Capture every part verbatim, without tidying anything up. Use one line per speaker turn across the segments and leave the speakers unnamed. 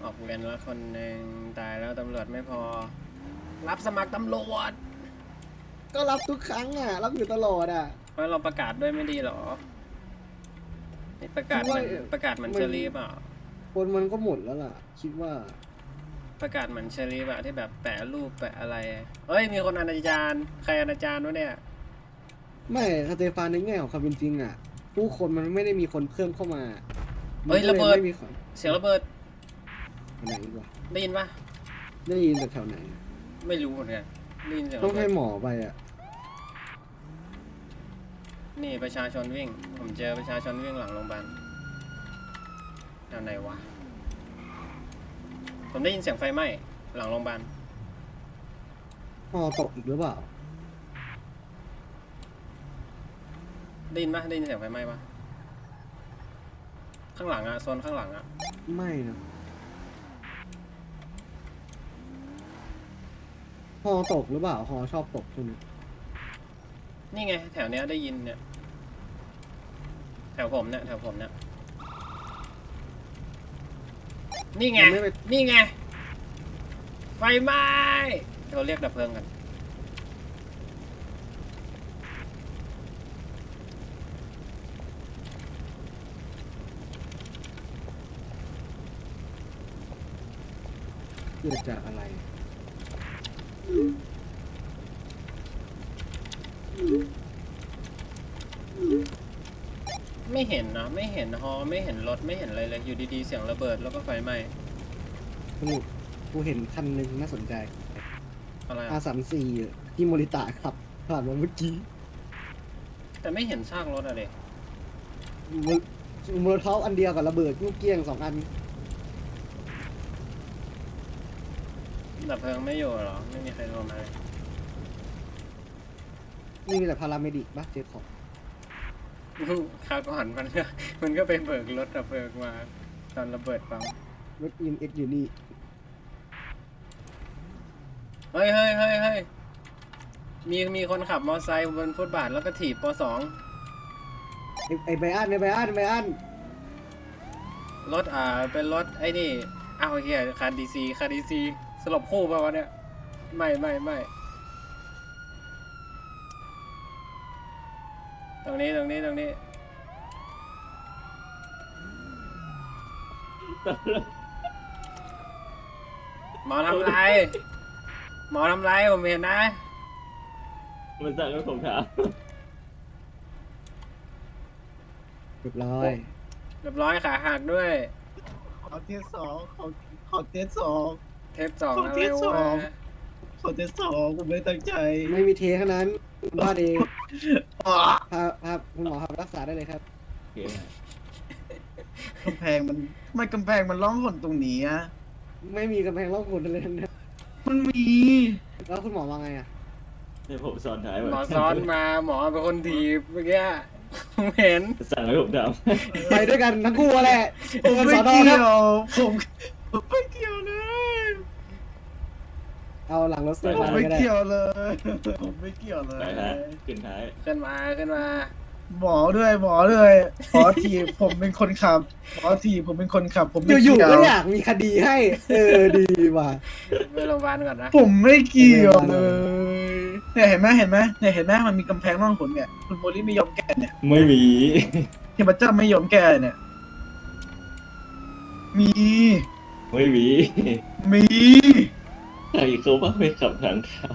ออกเวรแล้วคนหนึ่งตายแล้วตำรวจไม่พอ รับสมัครตำรวจ
ก็รับทุกครั้งอ่ะ รับอยู่ตลอดอ่ะ
เพราะเราประกาศด้วยไม่ดีหรอนี่ประกาศเหมือนประกาศเหมือนเชอรี่เปล่า
คนมันก็หมดแล้วล่ะ คิดว่า
ประกาศเหมือนเชอรี่อะที่แบบแปะรูปแปะอะไรเฮ้ยมีคนอนาจารใครอนาจารวะเนี่ย
ไม่สเตฟานในแง่ของความเป็นจริงอ่ะ ผู้คนมันไม่ได้มีคนเพิ่มเข้ามา
เฮ้ย
มันก็
ระเบิด
ไม่มีคน
เสียงระเบิด
ไหนอีกวะ
ได้ยินปะ
ได้ยินแต่แถวไหน
ไม่รู้เหมือนกันได้ยินเสียง
ต้อ
ระ
ง
เบิ
ให้
ด
หมอไปอ่ะ
นี่ประชาชนวิ่ง ผมเจอประชาชนวิ่งหลังโรงพยาบาลแถวไหนวะผมได้ยินเสียงไฟไหม้หลังโรงพยาบาล
พอตกอีกหรือเปล่า
ได้ยินปะได้ยินเสียงไฟไหม้ปะข้างหลังอะโซนข้างหลังอะ
ไม่นะฮอตกหรือเปล่าฮอชอบตกช่วงนี้
นี่ไงแถวเนี้ยได้ยินเนี่ยแถวผมเนี่ยแถวผมเนี่ยนี่ไง
มันไม่ไป
นี่ไงไฟไหม้เราเรียกดับเพลิงกัน
เกิดจากอะไร
ไม่เห็นนะไม่เห็นฮอไม่เห็นรถไม่เห็นอะไรเลยอยู่ดีๆเสียงระเบิดแล้วก็ไฟไหม้
สนุกกูเห็นคันหนึ่งน่าสนใจ
อะไร
อา
อะ
สามสี่ที่โมริตะขับผ่านมาเมื่อกี้
แต่ไม่เห็นซากรถอะเด็ก
มือมือเท้าอันเดียวกับระเบิดลูกเกี้ยงสองอัน
ดับเพลิงไม่อยู่เหรอไม่มีใครโทรมาเลย
นี่มีแต่พาราเมดิกบ้าเจ็บของ
คราวก่อนมันก็มันก็ไปเบิกรถดับเพลิงมาตอนระเบิดปั๊ม
รถอีมเอ็กอยู่นี่
เฮ้ยเฮ้ยเฮ้ยเฮ้ยมีมีคนขับมอเตอร์ไซค์บนฟุตบาทแล้วก็ถีบปสอง
ไอไอไบอันไอไบอันไบอัน
รถอ่าเป็นรถไอ้นี่อ้าวเฮียคันดีซีคันดีซีสลบคู่ป่าวะเนี่ยไม่ไม่ไม่ตรงนี้ตรงนี้ตรงนี้หมอทำไรหมอทำไรผมเห็นนะ
มันสั่งให้ผมถาม
เรียบร้อย
เรียบร้อยขาหักด้วย
ขอเทสสองขอขอเทสสอง
เทปสอง
ขอ
อะไร
เทปส
ว
อง
ะ
ขอเทสสองผมไม่ตั้งใจ
ไม่มีเทขนาดนั้นบ้าเอง
อ่ะ
พาพาคุณหมอพาไปรักษาได้เลยครับ
โอเค
กำแพงมันไม่กำแพงมันร้องหนตรงนี้อะ
ไม่มีกำแพงรอบคุณอะไรทั้งนั้น
มันมี
แล้วคุณหมอว่าไงอ่ะ
เดี๋ยวผมซ้อนท้ายไว้
หมอซ้อนมาหมอเป็นคนถีบเมื่อกี้ผมเห็น
สั่งให้ผมถาม
ไปด้วยกันทั้งคู่แหละ
ผม
เจอกัน
ไม่
สอนอ
เกี่
ค
ย
รับ
วผมผมไม่เกี่ยวเลย
เอาหลังรถส
ผม
เตฟาน
ไม่
ก็ได้
เกี่ยวเลยผมไม่เกี่ยวเล
ไป
ย
ฮะขึ้นท้าย
ขึ้นมาขึ้นมา
หมอด้วยหมอด้วยหมอทีบผมเป็นคนขับหมอทีบผมเป็นคนขับ ผมไม่
อยู่
เกี่
ๆ
ยว
ก็อยากมีคดีให้ เออดีว่ะ
ไปโรงพยาบาลก่อนนะ
ผมไม่เกี่ยวเลยเนี่ยเห็นไหมเห็นไหมเนี่ยเห็นไหมมันมีกำแพงร่องหนเนี่ยคุณโมลิไม่ยอมแก้เนี่ย
ไม่มี
เทพเจ้าไม่ยอมแก้เนี่ย มี
ไม่มี
มี
ใครเขาว่าไม่ขับทางเขา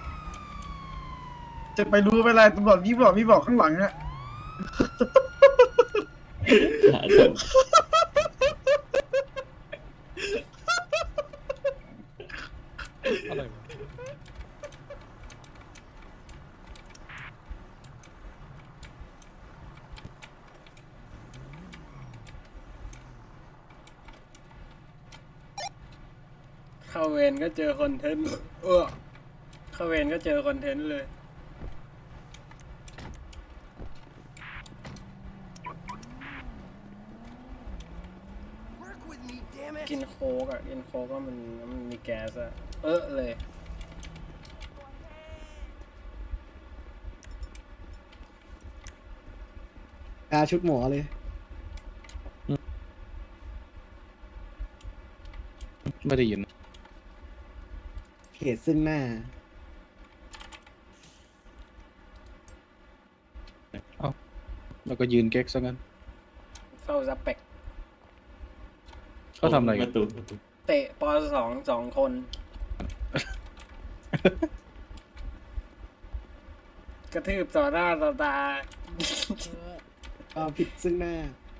จะไปรู้เวลาตำรวจพี่บอกพี่บอกข้างหลังอะ
หาจน
อะไรวะ
เข้าเวรก็เจอคอนเทนต์เออเข้าเวรก็เจอคอนเทนต์เลย กินโค้กอ่ะ กินโค้กก็มันมันมีแก๊สอ่ะ เออเลย
กาชุดหมอเลย
ไม่ได้ยิน
เหตุซึ่งหน้า
แล้วก็ยืนเก๊กซะงั้น
เฝ้าซับเป็ก
เขาทำอะไร
ป
กัน
ระตูประตู
เตะปอสองสองคน กระทืบต่อหน้าต่อตา
ความผิดซึ่งหน้า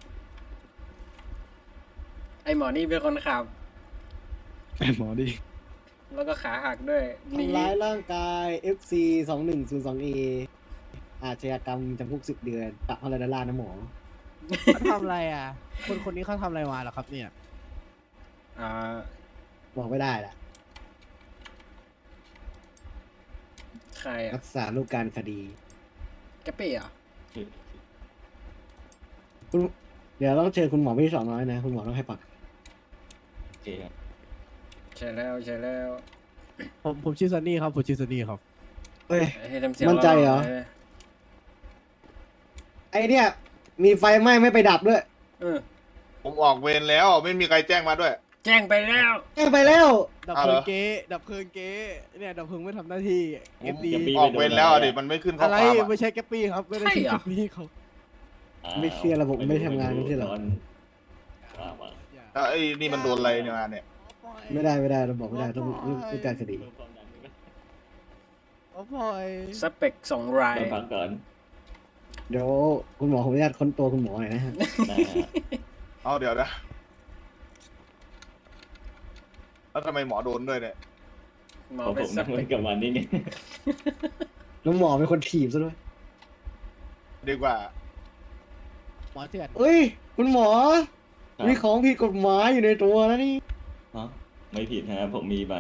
ไอหมอนี่เป็นคนขับ
ไอ้หมอดิ
แล้วก็ขาหักด้วยหนี
ทำร้ายร่างกาย เอฟ ซี สองหนึ่งศูนย์สองเอ อาชญากรรมจำคุกสิบเดือนปรับพันดอลลาร์นะหมอ
เขาทำอะไรอ่ะ คนคนนี้เขาทำอะไรมาเหรอครับเนี่ย
อ่า
บอกไม่ได้ละ
ใครอ่ะ
รักษาลูกการคดี
แกปปี้เหรอ
คุณเดี๋ยวต้องเจอคุณหมอพี่สองน้อยนะ คุณหมอต้องให้ปาก
โอเคครับ
ใช่แล้วใช่แล้ว
ผมผมชื่อซันนี่ครับ ผมชื่อซันนี่ครับ
เอ้ย
ให้ทำเสียง
มั่นใจเหรอ
ล่ๆลย
ไอเนี่ย มีไฟไหม้ไม่ไปดับด้วย
เออ
ผมออกเวรแล้วไม่มีใครแจ้งมาด้วย
แจ้งไปแล้ว
แก้ไปแล้ว
ดับ
เอา
เพ
เหร
ลิ
อ
งเก๊ดับเพลิงเก๊เนี่ยดับเพลิงไม่ทำหน้าที่เอฟดี
ออกเวรแล้วอ่ะดิมันไม่ขึ้นข้อ
อะไร
ความอ่ะ
ไม่ใช่แกปปี้ครับ ไม่ได้ใช่แกปปี้เขา
ไม่เชื่อระบบไม่ทำงานไม่ใช่เหรอ
ว้าวว้าว
แล้วไอ้นี่มันโดนอะไรเนี่ยมาเนี่ย
ไม่ได้ไม่ได้เราบอกไม่ได้ต้องลูกการคดี
โอ้พลอย
สเปกสองราย
เราพักก่อน
เดี๋ยวคุณหมอผมอนุญาตค้นตัวคุณหมอหน่อยนะฮะ
นะฮะ
เอาเดี๋ยวนะแล้วทำไมหมอโดนด้วยเนี่ย
หมอ
เพราะ
เป็
ผ
น
ม
ส
นั่ง
เป
เล่
ก
นกับมันนี่ไง
แล้วหมอเป็นคนถีบซะด้วย
ดีกว่า
หมอเถื่อน
เอ้ย คุณหมอ
ครับ
มีของผิดกฎหมายอยู่ในตัวนะนี่
ฮะไม่ผิดฮะผมมีใบ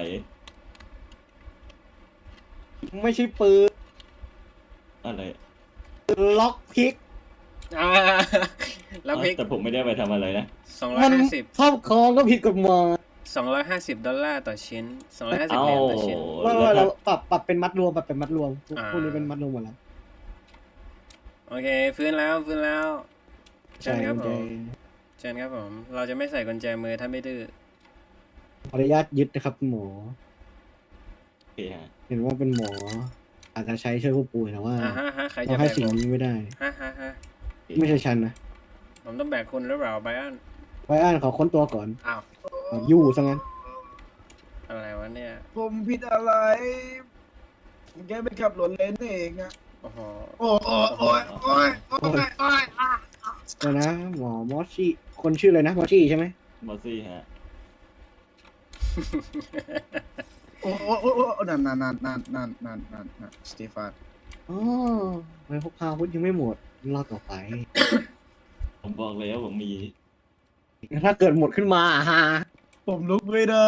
ไม่ใช่ปืน
อะไร
ล็อกพิก
อ่าแล้วพริก
แต่ผมไม่ได้ไปทำอะไรนะ
สองร้อ
มั
ย
น
ห้าสิบ
ครอบครองก็ผิดกฎหมาย
สองร้อยห้าสิบดอลลาร์ต่อชิ้นสองร้อยห้าสิบ
เอ้า
เหรียญต่อชิ้น
ว่า
แล้
ว่าว เรา
ถ้า
ปรับปรับเป็นมัดรวมปรับเป็นมัดรวมพวก
อ่า
พวกนี้เป็นมัดรวมหมดแล้ว
โอเคฟื้นแล้วฟื้นแล้วเชิญครับ
กุญ
ผ
แจ
มเชิญครับผม เราจะไม่ใส่กุญแจมือถ้าไม่ดื้อ
ขออนุญาตยึดนะครับคุณหมอ
โอเคฮะ
เห็นว่าเป็นหมอ อาจจะใช้ช่วยผู้ป่วยแต่ว่า
อ่าฮะฮะใคร
เรา
จะแบ
ให้
ก
สิ่ง
ผม
นี้ไม่ได้
ฮะฮะฮะ
ไม่ใช่ฉันนะ
ผมต้องแบกคุณหรือเปล่าไบอัน
ไว้อ่านขอค้นตัวก่อน
อ้าว
เอายู่ซะงั้น
อะไรวะเนี่ย
ผมผิดอะไรผมแค่ไปขับรถเลนเองอะ
โอ้โห
โอ้โอ้โอ้ยโอ้ยโอ้ยโอ้ยอ่ะ
เดี๋ยวนะ หมอมอสซี่คนชื่ออะไรนะมอสซี่ใช่ไหม
มอสซี่ฮะ
โอ้โอ้โอ้โอ้นั่นนั่นนั่นนั่นนั่นนั่นนั่นนั่นสเตฟาน
อ๋อไม่พกพาอาวุธยังไม่หมดรอต่อไป
ผมบอกแล้วผมมี
ถ้าเกิดหมดขึ้นมาฮะ
ผมลุกไม่ได้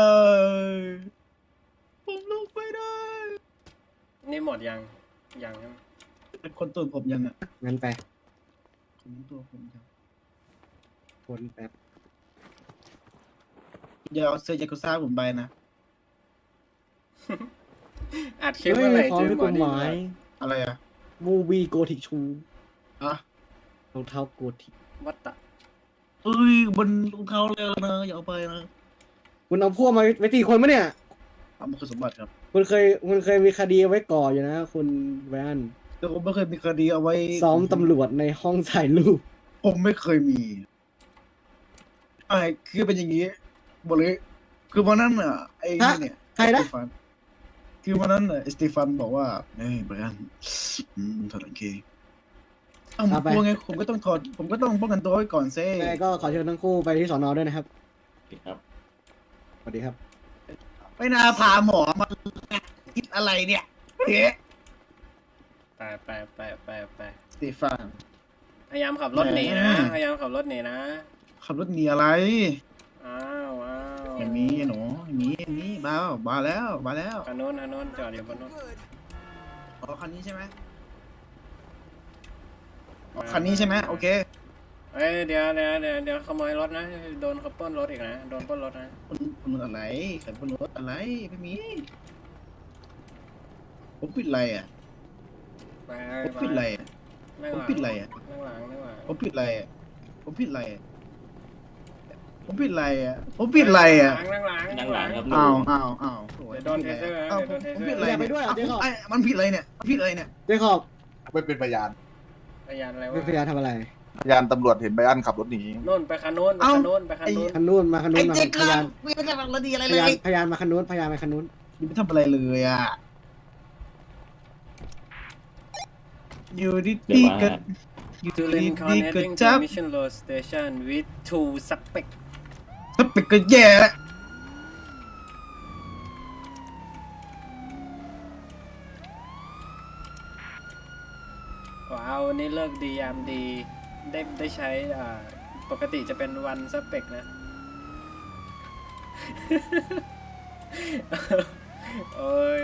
ผมลุกไม่ได้
นี่หมดยังยังใช่ไหม
เป็นคนตัวผมยังอ่ะ
งั้นไป
คนตัวผมยัง
คนแป๊บ
อย่าเอาเสื้อยากุซ่าผมไปนะ
อัดคลิป
เฮ้
เมื่อไหร่
ยของ
เจอ
ผิด
หม
ก
อ
ฎ
นี่
หมาย
อะไรอ่ะ
มูวีโกธิกชู
อ่ะ
รองเท้าโกธิก
วัตตะ
เอ้ยบนรองเท้าเลยนะอย่าเอาไปนะ
คุณเอาพวกมาไว้ตีคนมะเนี่ย
เอามาคือสมบัติครับ
คุณเคยคุณเคยมีคดีเอาไว้ก่ออยู่นะ คุณแวน
แต่ผมไม่เคยมีคดีเอาไว้
ซ้อมตำรวจในห้องถ่ายรูป
ผมไม่เคยมีไอ้คือเป็นอย่างนี้บอกเลยคือวันนั้นอ่ะไอ้นี่เนี่ย
ใครนะ
สเตฟานคือวันนั้นน่ะสเตฟานบอกว่าเฮ้ยไบรอันอืมถอดกางเกงอ้าวผมกลัวไงผมก็ต้องถอดผมก็ต้องป้องกันตัวไว้ก่อนเซ่
ยังไงก็ขอเชิญทั้งคู่ไปที่สอนอด้วยนะครับ
โอเคครับ
สวัสดีครับ
ไม่น่าพาหมอมาคิดอะไรเนี่ยเอ๊ะ
ไปไปไปไปไป
สเตฟาน
พยายามขับรถหนีนะ พยายามขับรถหนีนะ
ขับรถหนีอะไร
อ้าวอ้าว
ไม่มีหนูไม่มีไม่มีบ้าบ้าแล้วบ้าแล้ว
คันโน้นคันโน้นจอดอยู่บนโน้น
อ๋อคันนี้ใช่ไหมอ๋อคันนี้ใช่ไหมโอเค
เอ้ยเดี๋ยวเดี๋ยวเดี๋ยวเดี๋ยวขโมยรถนะ โดนเขาปล้นรถอีกนะ โดนปล้นรถนะ
คุณคุณอะไรขันบนรถอะไรไม่มีผมผิดอะไรอ่ะ
ไป
ผม
ไป
ผิดอะไรอ่ะ
นั่ง
ผม
หลัง
ผิดอะไรอ่ะ
นั่งหลังนั่งหลัง
ผมผิดอะไรอ่ะผมผิดอะไรอ่ะ
โ
ผมผิดอะไรอ่ะผมผิดอะไรอ่ะ
นั่งหลัง
นั่งหลังครับ
อ้าวอ้าวอ้าว
เดี๋ยวโดนเทเซอร์นะ
อ้าว
เดี๋ยว
ผ
โด
ม
นเท
ผม
เซอ
ผิด
ร์
อะไร
อย่าไปด้วยเหรอเจ๊ขอบ
ไอ้มันผิดอะไรเนี่ยมันผิดอะไรเนี่ย
เจ๊ขอบ
ไม่เป็นพยาน
พยานอะไร
เป็น
วะ
พยานทำอะไร
พยานตำรวจเห็นไบอันขับรถหนี
โน่นไปคันโน้นไปคันโน้นไปคันโน้น
คันนู้นมาคันนู้
ไอ้
นมา
เจ๊
พ
กล้าย
าน
ไม่เป็นอะไรดีอะไร
พ
เลย
านพยานมาคันนู้นพยานมาคันนู้น
ยังไม่ทำอะไรเลยอ่ะอยู่ดี
เดี๋ยว
ดี
มา
ก็
ฮะ
อยู่
To
ดี
Lincoln
ดีก็
heading
จั
to
บ
Mission Road Station with two suspect
ถ้าปิดก็แย่แล้ว
ว้าววันนี้เลิกดียามดี ได้ได้ใช้อ่าปกติจะเป็นวันซับเปกนะ โอ้ย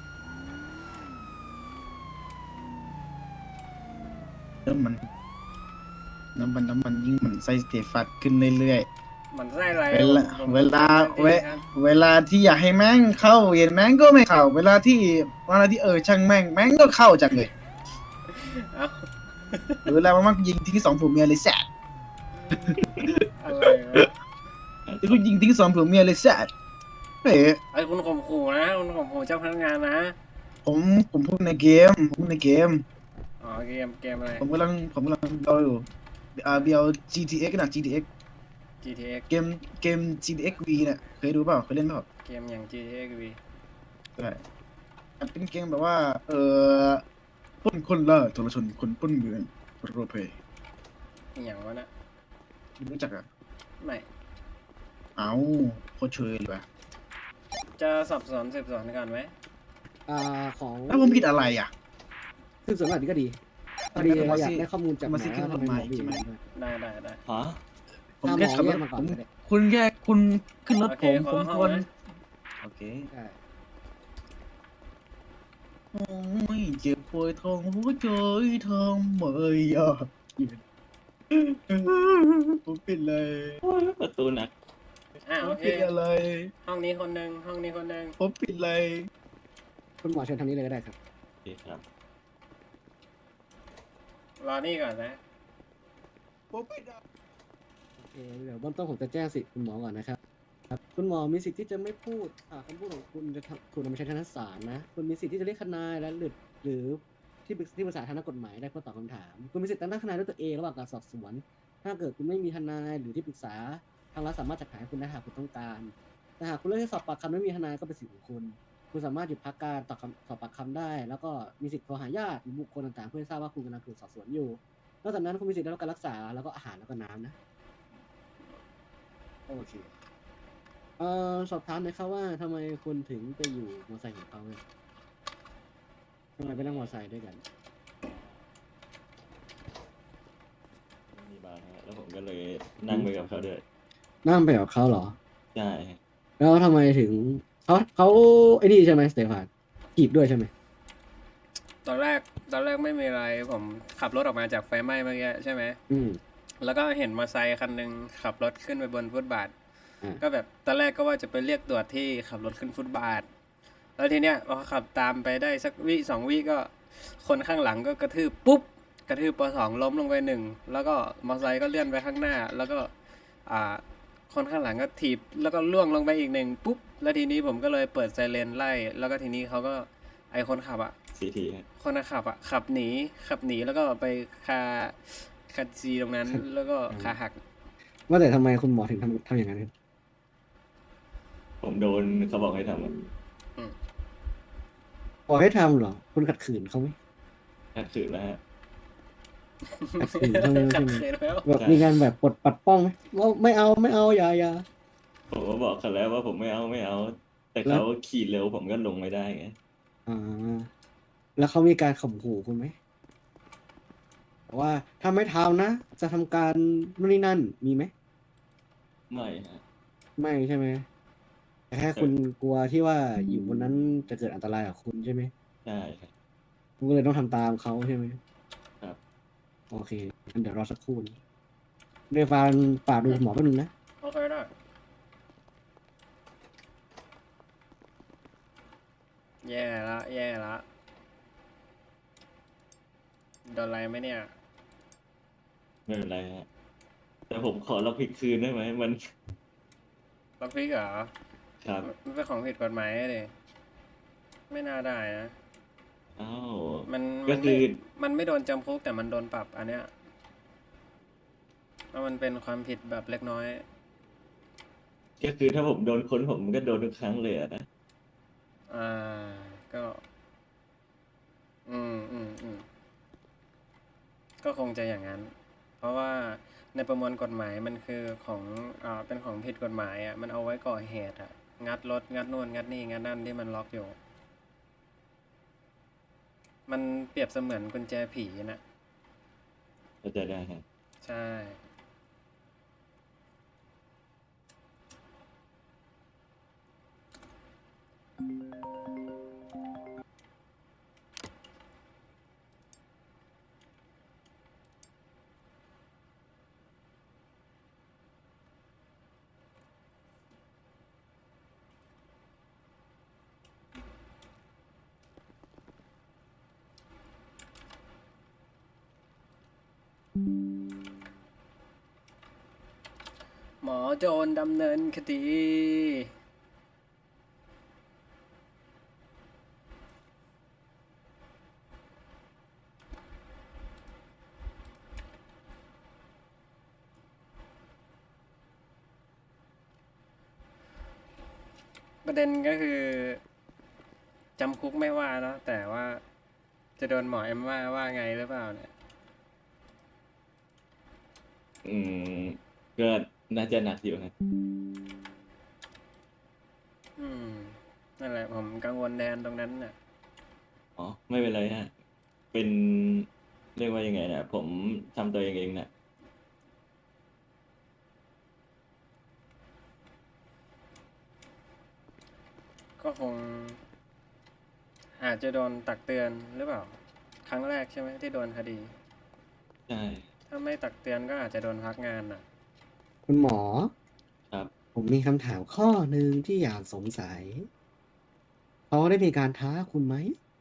แล้วมันน้ำมันน้ำมันยิ่งเหมือนไส้สเตฟัดขึ้นเรื่อย
มันไส้อะไร
ๆ เวลา
ผม
เวลา
ผม
เว
ครับ
เวลาที่อยากให้แม่งเข้าเย็นแม่งก็ไม่เข้า เวลาที่เวลาที่เออช่างแม่งแม่งก็เข้าจังเลย
เอ้า
หรือเวลามันมักยิงทิ้งสองผัวเมียเลยแซด
อะไรวะ
หรือกูยิงทิ้งสองผัวเมียเลยแซดเฮ้ย
ไอ้คุณข่มขู่นะคุณข่มขู่เจ้าพนักงานนะ
ผมผมพูดในเกมผมพูดในเกม
อ๋อเกมเกมอะไร
ผมกำลังผมกำลังเราอยู่อ่าเบียว จี ที เอ็กซ์ นะ จี ที เอ็กซ์
จี ที เอ็กซ์
เกมเกม จี ที เอ็กซ์ V เนี่ยเคยดูเปล่าเคยเล่นเปล่า
เกมอย่าง จี ที เอ็กซ์ วี
ใช่มันเป็นเกมแบบว่า เออปล้นคนล่าทรชนคนปล้นเมืองโรลเพลย์
อหย่างวะน่ะ
รู้จักอ่ะ
ไม่
เอ้าโคตรเชยเลยว่ะ
จะสอบสวนสืบสวนกันไหม
อ่าของ
แล้วผมผิดอะไรอ่ะ
สืบสวนแบบนี้ก็ดีพอดีเราอยากได้ข้อมูลจากหม
มา
อ
สิขึ้น
ว่าทำไมหมอ
มาอีก
บี
ใช่ไหม
ได้ได้ได้
ฮะ
ผม
ถ้าหม
แค่
อ
ขับร
เรีย
ถ
กมาก่อ
ผ
น
ม
ก็ได้
คุณแค่คุณขึ้นรถ
โอ
ผ
เค
ม
ข
ผ
อ
ม
เข้า
ควร
นะ
โอเค
ใช่
โอ้ยเจ็บปวดท้องหัวใจทำไมอ่ะผมผิดเลย
โอ้ยประตูหนัก
อ่า
ผ
โอ
ม
เค
ผิดอะไร
ห้องนี้คนหนึ่งห้องนี้คนหนึ่ง
ผมผิดอะไร
คุณหมอเชิญทางนี้เลยก็ได้ครับ
โอเคครับ
รอนี่ก่อนนะ
ผมผิดอะไร
โอเคเดี๋ยวเบื้องต้นผมจะแจ้งสิทธิ์คุณหมอก่อนนะครับครับ คุณหมอมีสิทธิ์ที่จะไม่พูดอ่าคำพูดของคุณจะทำถูกนำมาใช้ทางศาลนะ คุณมีสิทธิ์ที่จะเรียกทนายและหรือหรือที่ปรึกที่ปรึกษาทางด้านกฎหมายได้เพื่อตอบคำถาม คุณมีสิทธิ์ตั้งทนายด้วยตัวเองระหว่างการสอบสวน ถ้าเกิดคุณไม่มีทนายหรือที่ปรึกษาทางรัฐสามารถจัดหาให้คุณได้หากคุณต้องการ แต่หากคุณเลือกที่สอบปากคำไม่มีทนายก็เป็นสิทธิ์ของคุณ คุณสามารถหยุดพักการตอบคำสอบปากคำได้ แล้วก็มีสิทธิ์โทรหาญาติหรือบุคคลต่างๆ เพื่อให้ทราบว่าคุณกำลังถูกสอบสวนอยู่ นอกจากนั้นคุณมีสิทธิ์ได้รับการรักษาแล้วก็อาหารแล้วก็น้ำนะ โอเค เอ่อสอบถามหน่อยครับว่าทำไมคุณถึงไปอยู่มอเตอร์ไซค์ของเขาเนี่ยทำไมไปนั่งมอเตอร์ไซค์ด้วยกัน
มีบาร์ฮะแล้วผมก็เลยนั่งไปกับเขาด้วย
นั่งไปกับเขาเหรอ
ใช่
แล้วทำไมถึงเขาเขาไอ้นี่ใช่ไหมสเตฟานจีบด้วยใช่ไหม
ตอนแรกตอนแรกไม่มีอะไรผมขับรถออกมาจากไฟไหม้เมื่อกี้ใช่ไหม
อืม
แล้วก็เห็นมอเตอร์ไซค์คันหนึ่งขับรถขึ้นไปบนฟุตบาท
อืม
ก็แบบตอนแรกก็ว่าจะไปเรียกตรวจที่ขับรถขึ้นฟุตบาท แล้วทีเนี้ยพอขับตามไปได้สักวิสองวิก็คนข้างหลังก็กระทืบปุ๊บกระทืบปสองล้มลงไปหนึ่งแล้วก็มอเตอร์ไซค์ก็เลื่อนไปข้างหน้า แล้วก็อ่าคนข้างหลังก็ถีบแล้วก็ล่วงลงไปอีกหนึ่งปุ๊บแล้วทีนี้ผมก็เลยเปิดไซเรนไล่ แล้วก็ทีนี้เขาก็ไอคนขับอ่ะ
ซีทีฮะ
คนขับอ่ะขับหนีขับหนีแล้วก็ไปคาคาจีตรงนั้น แล้วก็ขาหัก
ว่าแต่ทำไมคุณหมอถึงทำทำอย่างนั้นครับ
ผมโดนเขาบอกให้ทำอะ
บอกให้ทำเหรอ คุณขัดขืนเขาไหม
ขัดขืนแล้วฮะ
ขัดขืนเขาไหม
ขั
ใช่
ด
ไหม
ขืนแล้ว
แบบมีการแบบปลดปัดป้องไหมว่าไม่เอาไม่เอาอย่าอย่า
ผมก็บอกเขาแล้วว่าผมไม่เอาไม่เอา แต่เขาขี่เร็วผมก็ลงไม่ได้ไง
อ่า แล้วเขามีการข่มขู่คุณไหมว่าถ้าไม่ทำนะ จะทำการนู่นนี่นั่นมีไหม
ไม่ฮะ
ไม่ใช่ไหมแต่แค่คุณกลัวที่ว่าอยู่บนนั้นจะเกิดอันตรายกับคุณใช่ไหม
ใช่ครับ
คุณก็เลยต้องทำตามเขาใช่ไหม
ครับ
โอเคงั้นเดี๋ยวรอสักครู่นะเดี๋ยวฟานฝากดูหมอแป๊บนึงนะ
โอเคได้แย่ละแย่ละโดนอะไรไหมเนี่ย
ไม่เป็นไรฮะ แต่แต่ผมขอรับผิดคืนได้ไหมมัน
ล็อกพิกเหรอ
ครับ
มันเป็นของผิดกฎหมายเลยไม่น่าได้นะ
อ้าว
มัน
ก็
มัน
คื
ไม่
อ
มันไม่โดนจำคุกแต่มันโดนปรับอันเนี้ยเพราะมันเป็นความผิดแบบเล็กน้อย
ก็คือถ้าผมโดนค้นผมก็โดนทุกครั้งเลยอะนะ
อ่า ก็ อืมอืมอืมก็คงจะอย่างนั้น เพราะว่าในประมวลกฎหมายมันคือของอ่าเป็นของผิดกฎหมายอ่ะ มันเอาไว้ก่อเหตุอ่ะ งัดรถ งัดนู่น งัดนี่ งัดนั่นที่มันล็อกอยู่ มันเปรียบเสมือนกุญแจผีนะ
เข้าใจได้ครับ
ใช่ หมอโจรดำเนินคดี ประเด็นก็คือจำคุกไม่ว่าเนาะแต่ว่าจะโดนหมอเอ็มว่าว่าไงหรือเปล่าเนี่ย
อืมก็น่าจะหนักอยู่ครับ
อืม นั่นแหละผมกังวลแทนตรงนั้นน่ะ
อ๋อ ไม่เป็นไรฮะ เป็นเรียกว่ายังไงนะผมทำตัวเองเองนะ
ก็คง อาจจะโดนตักเตือนหรือเปล่า ครั้งแรกใช่ไหมที่โดนคดี
ใช่
ถ้าไม่ตักเตือนก็อาจจะโดนพักงานน่ะ
คุณหมอ
ครับ
ผมมีคำถามข้อหนึ่งที่อยากสงสัยเขาได้มีการท้าคุณไหม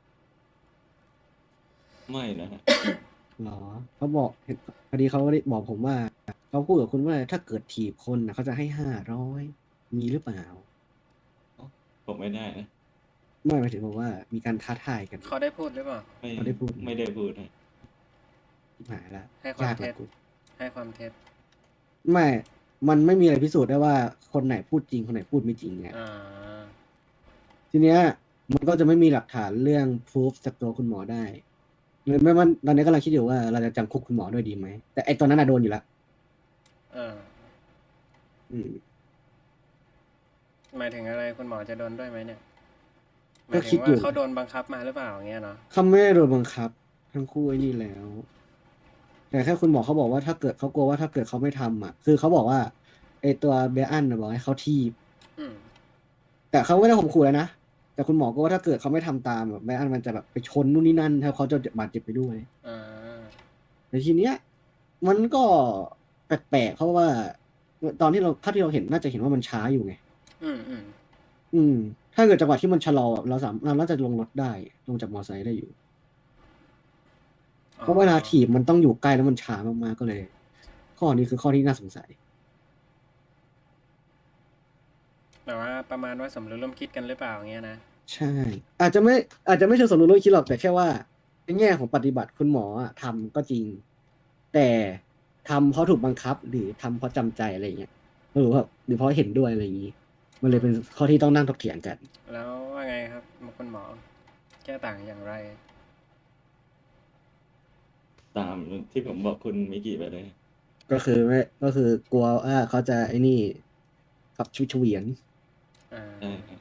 ไม่นะฮะ
หรอเขาบอกเห็นพอดีเขาได้บอกผมว่าเขาพูดกับคุณว่าถ้าเกิดถีบคนนะเขาจะให้ห้าร้อยมีหรือเปล่า
ผมไม่ได้นะ
ไม่หมายถึงบอกว่ามีการท้าทายกัน
เขาได้พูดหรือเปล่า
ไม่
เขาได้พูด
ไม่ได้พูดฮะ
หายละ
ให้ความ
ยาก
เท็
ละ
จ
กู
ให้ความเท็จ
ไม่ มันไม่มีอะไรพิสูจน์ได้ว่าคนไหนพูดจริงคนไหนพูดไม่จริงไง
อ่า
ทีเนี้ยมันก็จะไม่มีหลักฐานเรื่องพิสูจจากตัวคุณหมอได้เลยไม่ว่าตอนนี้กำลังคิดอยู่ว่าเราจะจำคุกคุณหมอด้วยดีไหมแต่ไอตอนนั้นน่ะโดนอยู่แล้ว
เออ
อืม
หมายถึงอะไรคุณหมอจะโดนด้วยไหมเนี่ยห
ก็
มาย
คิ
ถึ
ด
ง
อยู่
ว่าเขาโดนบังคับมาหรือเปล่าอย่างเงี้ยเนาะ
เขาไม่ได้โดนบังคับ ทั้งคู่ไอ้นี่แล้ว แต่แค่คุณหมอเขาบอกว่าถ้าเกิดเขากลัวว่าถ้าเกิดเขาไม่ทำอ่ะ คือเขาบอกว่าไอตัวเบอันน่ะบอกให้เขาทีบ
อืม
แต่เขาไม่ได้ข่มขู่เลยนะ แต่คุณหมอก็ว่าถ้าเกิดเขาไม่ทำตามแบบเบอันมันจะแบบไปชนนู่นนี่นั่นถ้าเขาจะบาดเจ็บไปด้วย
อ่า
แต่ทีเนี้ยมันก็แปลกๆเพราะว่า ตอนที่เราภาพที่เราเห็นน่าจะเห็นว่ามันช้าอยู่ไง
อืมอืม
อืม ถ้าเกิดจังหวะที่มันชะลอเราสามเราน่าจะลงรถได้ ลงจากมอเตอร์ไซค์ได้อยู่ เพราะเวลาถีบมันต้องอยู่ใกล้แล้วมันช้ามากๆก็เลย ข้อนี้คือข้อที่น่าสงสัย
แต่ว่าประมาณว่าสมรู้ร่วมคิดกันหรือเปล่าอย่างเงี้ยนะ
ใช่ อาจจะไม่อาจจะไม่เชิงสมรู้ร่วมคิดหรอกแต่แค่ว่าในแง่ของปฏิบัติคุณหมออะทำก็จริง แต่ทำเพราะถูกบังคับ หรือทำเพราะจำใจอะไรเงี้ยหรือว่าหรือเพราะเห็นด้วยอะไรอย่างนี้ มันเลยเป็นข้อที่ต้องนั่งถกเถียงกัน
แล้วว่าไงครับคุณหมอ แก้ต่างอย่างไร
ตามที่ผมบอกคุณมิกิไปเลย
ก็คือไม่ก็คือกลัวว่าเขาจะไอ้นี่ขับชุดเฉวียน
อ่า
ใช่ครับ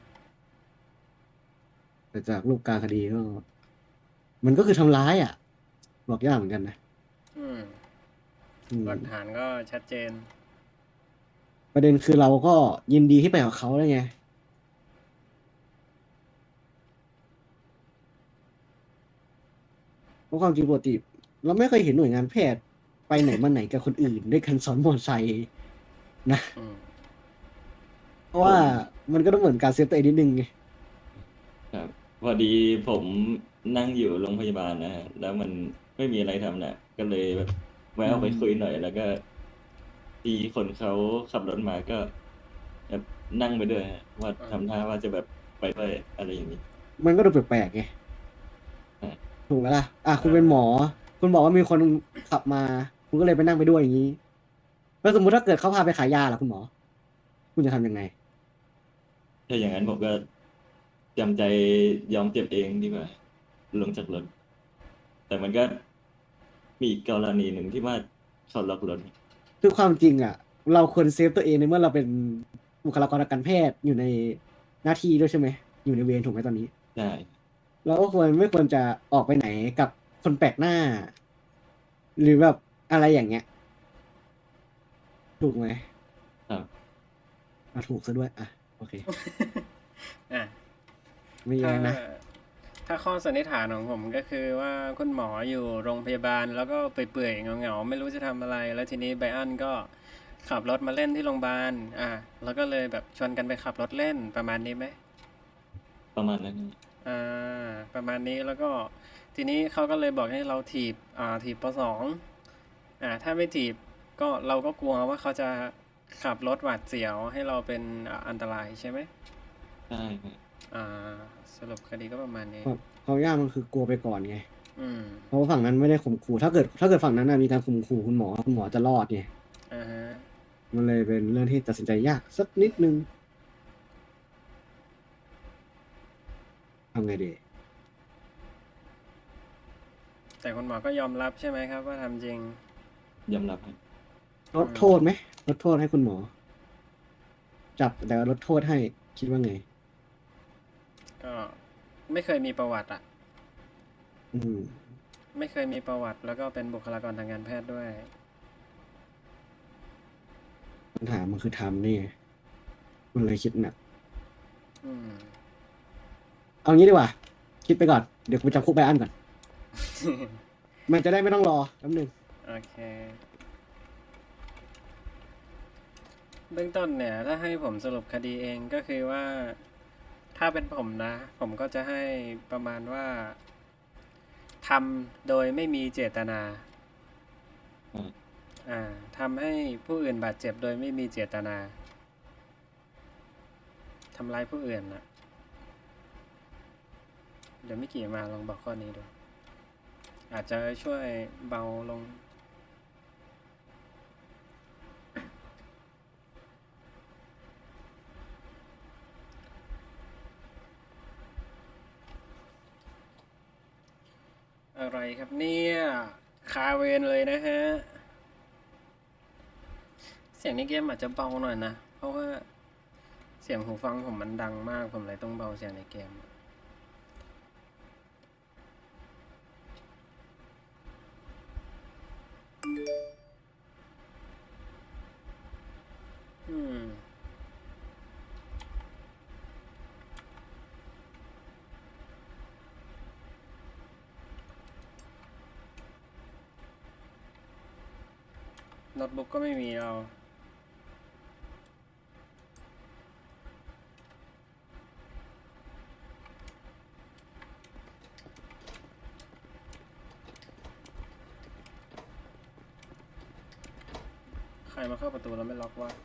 แต่จากรูปการคดีก็ มันก็คือทำร้ายอ่ะ บอกยากเหมือนกันนะ
อืม
อืม
หลักฐานก็ชัดเจน
ประเด็นคือเราก็ยินดีที่ไปกับเขาได้ไง เพราะความจริงปกติ เราไม่เคยเห็นหน่วยงานแพทย์ไปไหนมาไหนกับคนอื่นด้วยกันซ้อนมอเตอร์ไซค์นะ
อืม
เพราะว่ามันก็ต้องเหมือนการเซฟตัวเองนิดนึงไง
ครับพอดีผมนั่งอยู่โรงพยาบาลนะฮะแล้วมันไม่มีอะไรทำนะก็เลยแบบแวะออกไปคุยหน่อย แล้วก็ทีคนเขาขับรถมาก็แบบนั่งไปด้วยฮะว่า
อ่า
ทำท่าว่าจะแบบไปด้วยอะไรอย่างนี้
มันก็ดูแปลกๆไง
อืม
ถูกไหมล่ะอ่ะคุณเป็นหมอ คุณบอกว่ามีคนขับมา คุณก็เลยไปนั่งไปด้วยอย่างนี้แล้วสมมุติถ้าเกิดเขาพาไปขายยาล่ะคุณหมอ คุณจะทำยังไง
ถ้าอย่างนั้นผมก็จำใจยอมเจ็บเองดีกว่าลงจากรถ แต่มันก็มีอีกกรณีหนึ่งที่ว่าเขาล็อกรถ
คือความจริงอ่ะ เราควรเซฟตัวเองในเมื่อเราเป็นบุคลากรทางการแพทย์อยู่ในหน้าที่ด้วยใช่ไหม อยู่ในเวรถูกไหมตอนนี้
ใช่
เราก็ควรไม่ควรจะออกไปไหนกับคนแปลกหน้า หรือแบบอะไรอย่างเงี้ย ถูกไหม
ครับ
อ่ะถูกซะด้วย อ่ะ โอเค
อ่ะ
ไม่แย้
ถ้าง
นะ
ถ้าข้อสันนิษฐานของผมก็คือว่าคุณหมออยู่โรงพยาบาลแล้วก็เปื่อยๆเหงาๆไม่รู้จะทำอะไร แล้วทีนี้ไบอันก็ขับรถมาเล่นที่โรงพยาบาลอ่ะแล้วก็เลยแบบชวนกันไปขับรถเล่นประมาณนี้ไหม
ประมาณนั้น
อ่าประมาณนี้แล้วก็ทีนี้เขาก็เลยบอกให้เราถีบอ่าถีบปสองอ่าถ้าไม่ถีบก็เราก็กลัวว่าเขาจะขับรถหวาดเสียวให้เราเป็นอ่าอันตรายใช่ไหม
ใช่ครับ
อ่าสรุปคดีก็ประมาณนี้
ความความยากมันคือกลัวไปก่อนไง
อืม
เพราะว่าฝั่งนั้นไม่ได้ข่มขู่ ถ้าเกิด ถ้าเกิดฝั่งนั้นน่ะมีการข่มขู่คุณหมอ คุณหมอจะรอดไง
อ่าฮะ
มันเลยเป็นเรื่องที่ตัดสินใจยากสักนิดนึงทำไงดี
แต่คุณหมอก็ยอมรับใช่ไหมครับว่าทำจริง
ยอมรับครับ
ลดโทษไหมลดโทษให้คุณหมอ จับแต่ว่าลดโทษให้คิดว่าไง
ก็ไม่เคยมีประวัติอ่ะ
อืม
ไม่เคยมีประวัติแล้วก็เป็นบุคลากรทางการแพทย์ด้วย
ปัญหามันคือทำนี่ไงมันเลยคิดหนัก
อืม
เอางี้ดีกว่า คิดไปก่อน เดี๋ยวกูไปจำคุกไบอันก่อน มันจะได้ไม่ต้องรอแป๊บนึง
โอเค เบื้องต้นเนี่ย ถ้าให้ผมสรุปคดีเองก็คือว่า ถ้าเป็นผมนะ ผมก็จะให้ประมาณว่าทำโดยไม่มีเจตนา
อืม
อ่าทำให้ผู้อื่นบาดเจ็บโดยไม่มีเจตนาทำร้ายผู้อื่นนะเดี๋ยวมิกี่มาลองบอกข้อนี้ดู อาจจะช่วยเบาลง อะไรครับเนี่ยคาเวนเลยนะฮะ เสียงในเกมอาจจะเบาหน่อยนะ เพราะว่าเสียงหูฟังผมมันดังมาก ผมเลยต้องเบาเสียงในเกม อืม โน้ตบุ๊กก็ไม่มีเรา ใครมาเข้าประตูแล้วไม่ล็อกวะ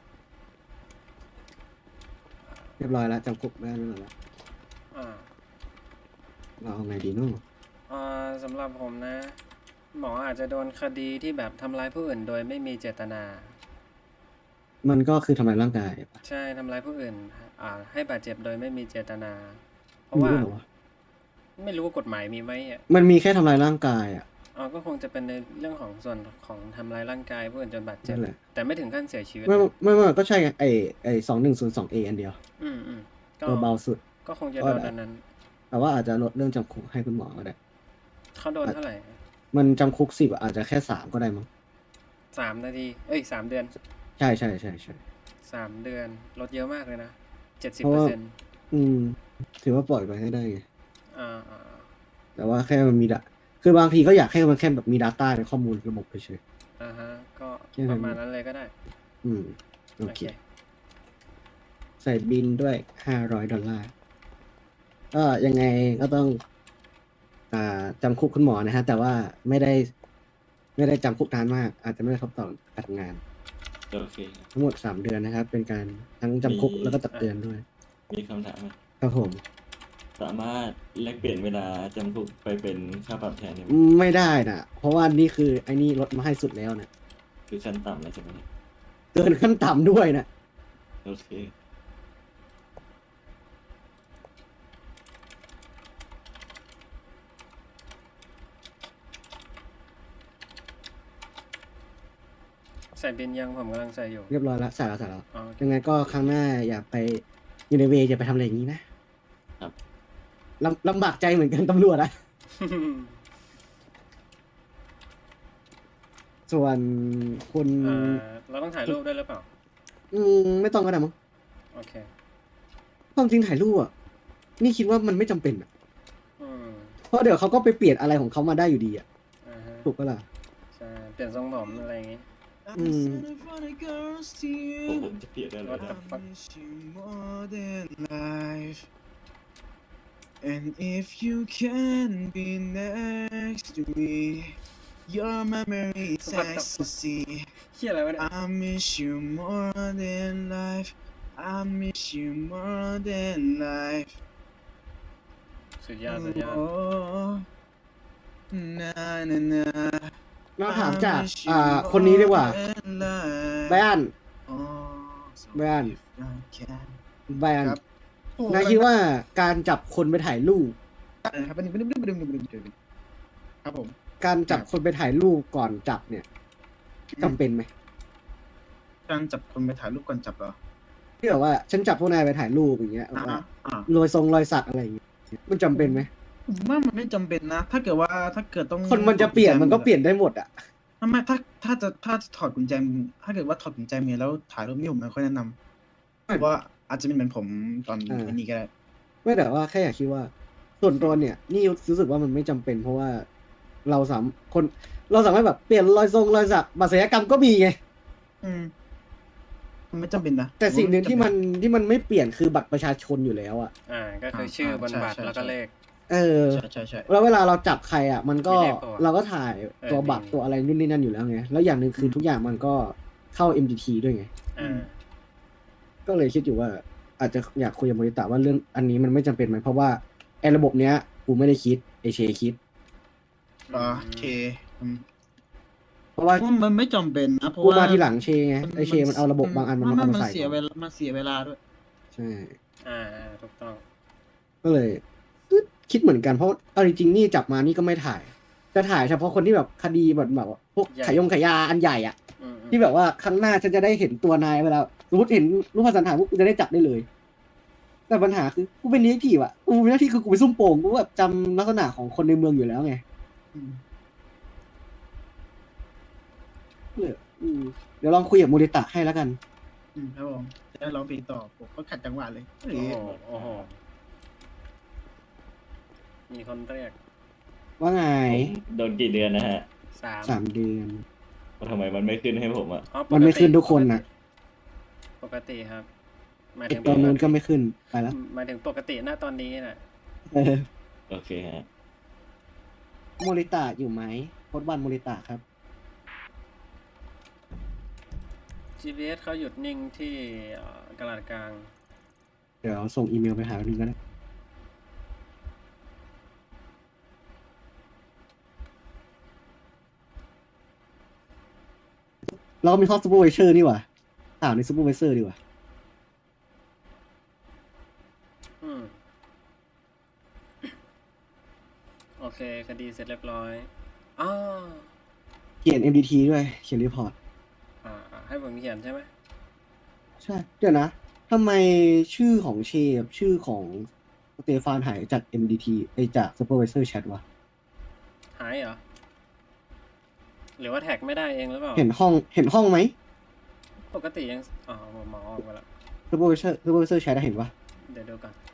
เรียบร้อยแล้วจำคุกไบอันไว้หมดแล้ว
อ่า
เราเอาไงดีเนู่น
อ่าสำหรับผมนะ หมออาจจะโดนคดีที่แบบทำร้ายผู้อื่นโดยไม่มีเจตนา
มันก็คือทำลายร่างกายปะ
ใช่ทำร้ายผู้อื่น อ่า ให้บาดเจ็บโดยไม่มีเจตนา เพ
มี
ราะว่า
ด้วยเหรอวะ
ไม่รู้ว่ากฎหมายมีไหมอ่ะ
มันมีแค่ทำลายร่างกายอ่ะ
อ๋อก็คงจะเป็นในเรื่องของส่วนของทำร้ายร่างกายผู้อื่นจนบาดเจ็บ
นั่นแหละ
แต่ไม่ถึงขั้นเสียชีวิต
ไม่
นะ
ไม่ไม่ก็ใช่ไงไอไอสองหนึ่งศูนย์สองเออันเดียว
อืมอืมก็
ตัวเบาสุด
ก็คงจะ
ก็
โดน
ได้
อันนั้น
แต่ว่าอาจจะลดเรื่องจำคุกให้คุณหมอก็ได้
เขาโดนเท่าไหร่
มันจำคุกสิบอาจจะแค่สามก็ได้มั้ง
สามนาที เอ้ยสามเดือน
ใช่ใช่ใช่ใช่
สามเดือน ลดเยอะมากเลยนะเจ็ดสิบ
เพราะ
เปอร์
ว่า
เซ็นต์
อืม ถือว่าปล่อยไปให้ได้ไง
อ่าอ่า
แต่ว่าแค่มันมีดะคือบางทีก็อยากให้มันแค่แบบมี Data ในข้อมูลระบบเฉย
อ่าฮะ ก็
แค่นั้น
ประมาณนั้นเลยก็ได้
ๆอืม โอเค ใส่บินด้วยห้าร้อยดอลลาร์ก็ยังไงก็ต้อง อ่าจำคุกคุณหมอนะฮะ แต่ว่าไม่ได้ ไม่ได้จำคุกนานมาก อาจจะไม่ได้ครบต่อการทำงาน
โอเคครับ
ทั้งหมดสามเดือนนะครับ เป็นการทั้งจำคุก
มี
แล้วก็ตักเตือนด้วย
มีคำถามไหม
ครับผม
สามารถแลกเปลี่ยนเวลาจำคุกไปเป็นค่าปรับแทนได้ไหม
ไม่ได้นะเพราะว่านี่คือไอ้นี่ลดมาให้สุดแล้วนะ
คือขั้นต่ำแล้วใช่ไหม
เกินขั้นต่ำด้วยนะ
โอเค
ใส่บินยังผมกำลังใส่อยู่
เรียบร้อยแล้วใส่แล้วใส่แล้ว
อ๋อโอเค
ยังไงก็ครั้งหน้าอย่าไปอยู่ในเวรอย่าไปทำอะไรอย่างนี้นะครับ ลำลำบากใจเหมือนกันตำรวจอะส่วนคุณ
เอ่อเราต้องถ่ายรูปด้วยหรือเปล่า
อืมไม่ต้องก็ได้มั้ง
โอเค
ความจริงถ่ายรูปอะนี่คิดว่ามันไม่จำเป็นอะ
อืม
เพราะเดี๋ยวเขาก็ไปเปลี่ยนอะไรของเขามาได้อยู่ดีอะ
อ่าฮะ
ถูกปะล่ะ
ใช่ เปลี่ยนทรงผมอะไรอย่างงี้
อืม
ผมผมจะเปลี่ยนได้เลย
What the fuck?
And if you can be next to me, your memory is
What the
ecstasy.
เฮียอะไรวะเนี่ย
I miss you more than life. I miss you more than life.
สุดยอดสุดยอด
Oh, na na na.
เราถามจาก
I miss you
อ่า คนนี้ดีกว่า
more than life.
ไบอัน
Oh, so
Brian.
if I can.
ไบอัน
ครับ
นายคิดว่าการจับคนไปถ่ายรูป
นะครับอันนี้ไม่ได้ไม่ได้ไม่ได้ไม่ได้ไม่ได้ครับผม
การจับคนไปถ่ายรูปก่อนจับเนี่ยจำเป็นไหม
การจับคนไปถ่ายรูปก่อนจับเหรอ
ที่แบบว่าฉันจับพวกนายไปถ่ายรูปอย่างเงี้ยแบบ
อ่า
ว่า
อ่าร
อยทรงรอยสักอะไรอย่างเงี้ยมันจำเป็นไหม
ผมว่ามันไม่จำเป็นนะ ถ้าเกิดว่าถ้าเกิดต้อง
คนมันจะเปลี่ยนมันก็เปลี่ยนได้หมดอ่ะ
ไม่ไม่ถ้าถ้าจะถ้าจะถอดกุญแจมือถ้าเกิดว่าถอดกุญแจมือแล้วถ่ายรูปนี่ผมไม่ค่อยแนะนำเพราะว่าอาจจะไม่เหมือนผมตอน
อ่า
ไอ้นี้ก็ได้
ไม่แต่ว่าแค่อยากคิดว่า ส่วนตัวเนี่ย นี่รู้สึกว่ามันไม่จำเป็น เพราะว่าเราสามคนเราสามารถแบบเปลี่ยนรอยทรงรอยสักบัตรศัลยกรรมก็มีไง
อืมมันไม่จำเป็นนะ
แต่สิ่งหนึ่งที่มันที่มันไม่เปลี่ยนคือบัตรประชาชนอยู่แล้วอ่ะ
อ่า ก็คือชื่อบนบัตร
ใช่ใช่
แล้วก็เลข
เออ
ใช่ใช่ใช่
แล้วเวลาเราจับใครอ่ะ มันก็
มีเลขปะวะ
เราก็ถ่ายตัว
เออ
บัตร
มี
ตัวอะไรนู่นนี่นั่นอยู่แล้วไงแล้วอย่างหนึ่งคือทุกอย่างมันก็เข้า เอ็ม ดี ที ด้วยไง
อ่า
ก็เลยคิดอยู่ว่า อาจจะอยากคุยกับโมริตะว่าเรื่องอันนี้มันไม่จำเป็นไหมเพราะว่าไอ้ระบบเนี้ยกูไม่ได้คิดไอเชคิด
อ๋อโอเคอืม
เพราะว่า
เพราะมันไม่จำเป็นนะเพราะ
กู
ว่า
มาทีหลังเชไงไอเชมันเอาระบบบางอันมัน
ไไ
เอามา
มัน
ใส่
เสีย
ก่อน
เวลามันเสียเวลาด้วย
ใช่
อ่าอ่าถูกต้อง
ก็เลยตึ๊ดคิดเหมือนกันเพราะเอาจริงๆนี่จับมานี่ก็ไม่ถ่าย จะถ่ายเฉพาะคนที่แบบคดีแบบแบบว่าพวก
ใหญ่
ขายยงขายยาอันใหญ่อะ
อืมอืม
ที่แบบว่าครั้งหน้าฉันจะได้เห็นตัวนายเวลาสมมติเห็นรูปพันสันฐานพวกกูจะได้จับได้เลย แต่ปัญหาคือกูเป็นดีเอ็กทีฟอะกูมีหน้าที่คือกูไปซุ่มโป่งกูแบบจำลักษณะของคนในเมืองอยู่แล้วไง
อืม
เลยอืมเดี๋ยวลองคุยกับโมริตะให้แล้วกัน
อืมครับผมจะร้องเพลงต่อผมก็ขัดจังหวะเลย
โอ้โหโอ้โห มีคนเรียก
ว่าไง
ผมโดนกี่เดือนนะฮะ
สาม
สามเดือน
ว่าทำไมมันไม่ขึ้นให้ผมอ่ะ
อ๋อปกติ
มันไม่ขึ้นทุกคนนะ
ปกติครับหมาย
ไอ
ถึง
ตอนนู้นก็ไม่ขึ้นไปแล้ว
หมายถึงปกติหน้าตอนนี้น่ะ
เออ
โอเคฮะ
โมริตะอยู่ไหมโคดวันโมริตะครับ
จี พี เอส เขาหยุดนิ่งที่เอ่อกลาดกลาง
เดี๋ยวส่งอีเมลไปหาหนึ่งก็ได้เราก็มีข้อซูเปอร์ไวเซอร์นี่หว่าถามในซูเปอร์ไวเซอร์ดีกว่า
อืม โอเค คดีเสร็จเรียบร้อยอ๋อ
เขียน เอ็ม ดี ที ด้วย เขียนรีพอร์ต
อ่าอ่าให้ผมเขียนใช่ไหม
ใช่ เดี๋ยวนะ ทำไมชื่อของเชฟชื่อของสเตฟานหายจาก เอ็ม ดี ที ไอจากซูเปอร์ไวเซอร์แชทวะ
หายเหรอ หรือว่าแท็กไม่ได้เองหรือเปล่า
เห็นห้อง เห็นห้องไหม
ปกติยัง อ๋อผมมองออกมาแล้ว
ซูเปอร์ไวเซอร์ซูเปอร์ไวเซอร์แชทเห็นปะ
เดี๋ยวดูก่อน